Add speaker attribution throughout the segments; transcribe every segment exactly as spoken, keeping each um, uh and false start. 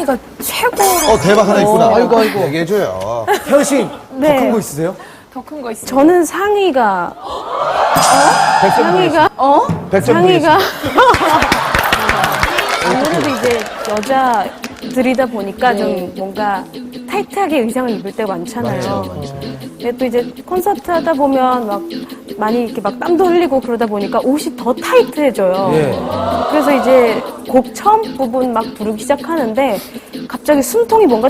Speaker 1: 태연이가 최고로.
Speaker 2: 어, 대박 하나 있구나.
Speaker 3: 아이고, 아이고.
Speaker 2: 얘기해줘요.
Speaker 3: 태연 씨,
Speaker 4: 네.
Speaker 3: 더 큰 거 있으세요?
Speaker 1: 더 큰 거 있어요.
Speaker 4: 저는 상의가
Speaker 3: 백점
Speaker 4: 상의가 어?
Speaker 3: 백점
Speaker 4: 상의가 아무래도 이제 여자들이다 보니까 좀 뭔가 타이트하게 의상을 입을 때가 많잖아요. 근데 또 이제 콘서트 하다 보면 막 많이 이렇게 막 땀도 흘리고 그러다 보니까 옷이 더 타이트해져요.
Speaker 3: 예.
Speaker 4: 그래서 이제 곡 처음 부분 막 부르기 시작하는데 갑자기 숨통이 뭔가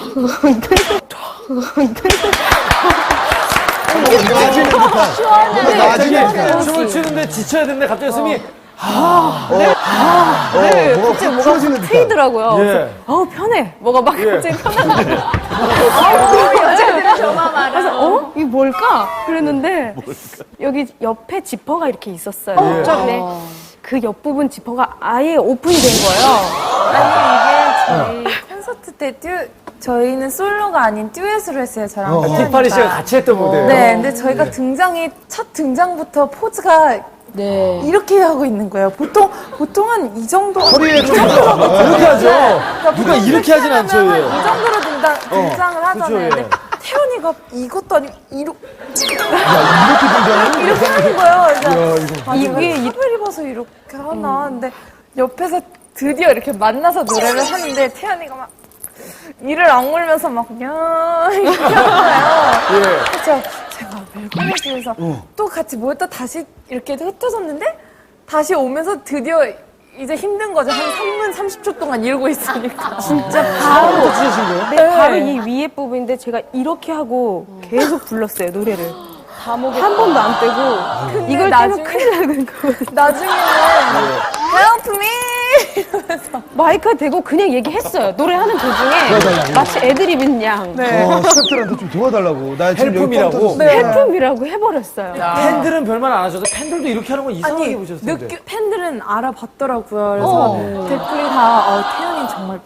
Speaker 3: 나중에 춤을 추는데 지쳐야 되는데 갑자기 숨이
Speaker 4: 아, 네. 아,
Speaker 2: 어,
Speaker 4: 네.
Speaker 2: 뭐가
Speaker 4: 갑자기
Speaker 2: 훅
Speaker 4: 뭐가
Speaker 2: 풀어지는
Speaker 4: 확
Speaker 2: 듯한.
Speaker 4: 트이더라고요.
Speaker 3: 예.
Speaker 4: 그래서 어우 편해. 뭐가 막
Speaker 3: 예.
Speaker 4: 갑자기 편하고. 아우 여자들이 저만 알아. 그래서 어? 이게 뭘까? 그랬는데 여기 옆에 지퍼가 이렇게 있었어요.
Speaker 3: 예.
Speaker 4: 근데 그 옆부분 지퍼가 아예 오픈이 된 거예요.
Speaker 1: 아니, 이게 저희 콘서트 때 듀, 저희는 솔로가 아닌 듀엣으로 했어요, 저랑.
Speaker 2: 어.
Speaker 1: 태연이가.
Speaker 3: 티파니 씨가 같이 했던 무대예요.
Speaker 1: 네, 근데 저희가 등장이, 첫 등장부터 포즈가
Speaker 5: 네.
Speaker 1: 이렇게 하고 있는 거예요. 보통, 보통은 이 정도.
Speaker 2: 허리에 좀
Speaker 3: 이렇게 하죠.
Speaker 1: 그러니까
Speaker 3: 누가
Speaker 1: 보통
Speaker 3: 이렇게 하진 않죠.
Speaker 1: 하면
Speaker 3: 예.
Speaker 1: 이 정도로 등장, 등장을 하잖아요.
Speaker 3: 그쵸, 예.
Speaker 1: 근데 태연이가 이것도 아니고, 이렇게,
Speaker 2: 이렇게 등장해?
Speaker 1: 이렇게 하는 거예요. 그래서
Speaker 2: 이거.
Speaker 1: 아, 이게 하늘 입어서 이렇게 하나. 근데 옆에서 드디어 이렇게 만나서 노래를 하는데 태연이가 막 이를 악물면서 막 그냥 이렇게 하는 거예요. 그래서 제가 왜 그러지? 그래서 또 같이 모였다 다시 이렇게 흩어졌는데 다시 오면서 드디어 이제 힘든 거죠. 한 삼 분 삼십 초 동안 이러고 있으니까.
Speaker 4: 진짜 바로
Speaker 3: 찢으신 거예요?
Speaker 4: 네, 바로 이 위에 부분인데 제가 이렇게 하고 계속 불렀어요 노래를. 한 번도 안 떼고 이걸
Speaker 1: 나중에-
Speaker 4: 떼면 큰일 나는 거거든요.
Speaker 1: 나중에는 Help me! 이러면서
Speaker 4: 마이크에 대고 그냥 얘기했어요. 노래하는 도중에 마치 애드립인 양
Speaker 2: 어, 스태프들한테 좀 도와달라고. 나 지금 여기
Speaker 3: 헬프미라고?
Speaker 2: 뻥 터졌어.
Speaker 1: 네.
Speaker 4: 헬품이라고 해버렸어요.
Speaker 3: 팬들은 별말 안 하셔도 팬들도 이렇게 하는 건 이상하게
Speaker 1: 아니,
Speaker 3: 보셨을 텐데.
Speaker 1: 느끼, 팬들은 알아봤더라고요. 그래서 댓글이 다, 어, 태연이 정말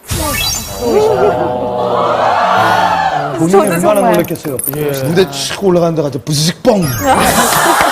Speaker 1: 프로다.
Speaker 2: 본인이
Speaker 1: 저도
Speaker 2: 얼마나
Speaker 1: 정말.
Speaker 2: 놀랬겠어요. 무대 촥 올라가는데 가서 부스식 뻥.